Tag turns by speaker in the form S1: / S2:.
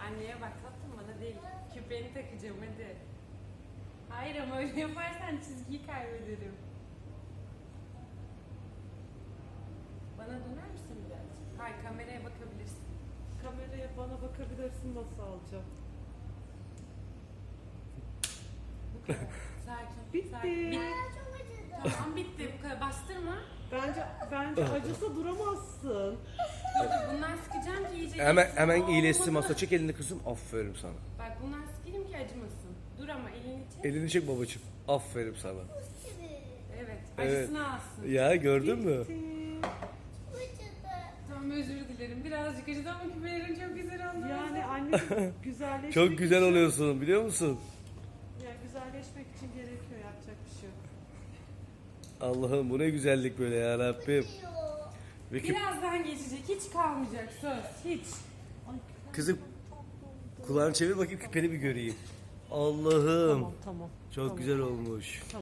S1: Anneye bak tatlım, bana değil. Küpeni takacağım hadi. Hayır ama öyle yaparsan çizgiyi kaybederim. Bana döner misin birazcık? Hayır, kameraya bakabilirsin.
S2: Kameraya bana bakabilirsin, nasıl alacağım?
S1: Bu kadar. Sakin.
S2: Bitti.
S1: Sakin.
S3: Çok acıdı.
S1: Tamam bitti. Bu kadar. Bastırma.
S2: Bence acısa duramazsın.
S1: Dur dur, bundan sıkacağım ki iyice.
S4: Hemen
S1: geçsin.
S4: iyileşsin
S1: Olmadı.
S4: masa. Çek elini kızım. Aferin sana.
S1: Bak bundan sıkayım ki acımasın. Dur ama elini çek.
S4: Elini çek babacığım. Aferin sana.
S1: Evet.
S4: Evet.
S1: Acısını alsın.
S4: Ya gördün mü?
S2: Bitti.
S3: Çok acıdı.
S1: Tamam, özür dilerim. Birazcık acıdı ama küpelerin çok güzel oldu.
S2: Yani anneciğim güzelleşmek
S4: Çok güzel
S2: için,
S4: oluyorsun biliyor musun?
S2: yani güzelleşmek için gerekiyor, yapacak bir şey yok.
S4: Allah'ım bu ne güzellik böyle ya Rabbim.
S3: Acıyor.
S4: Ve küp-
S1: Birazdan geçecek. Hiç kalmayacak söz. Hiç.
S2: Ay,
S4: Kızım kulağını çevir bakayım küpeni bir göreyim. Allah'ım.
S2: tamam.
S4: Çok güzel olmuş.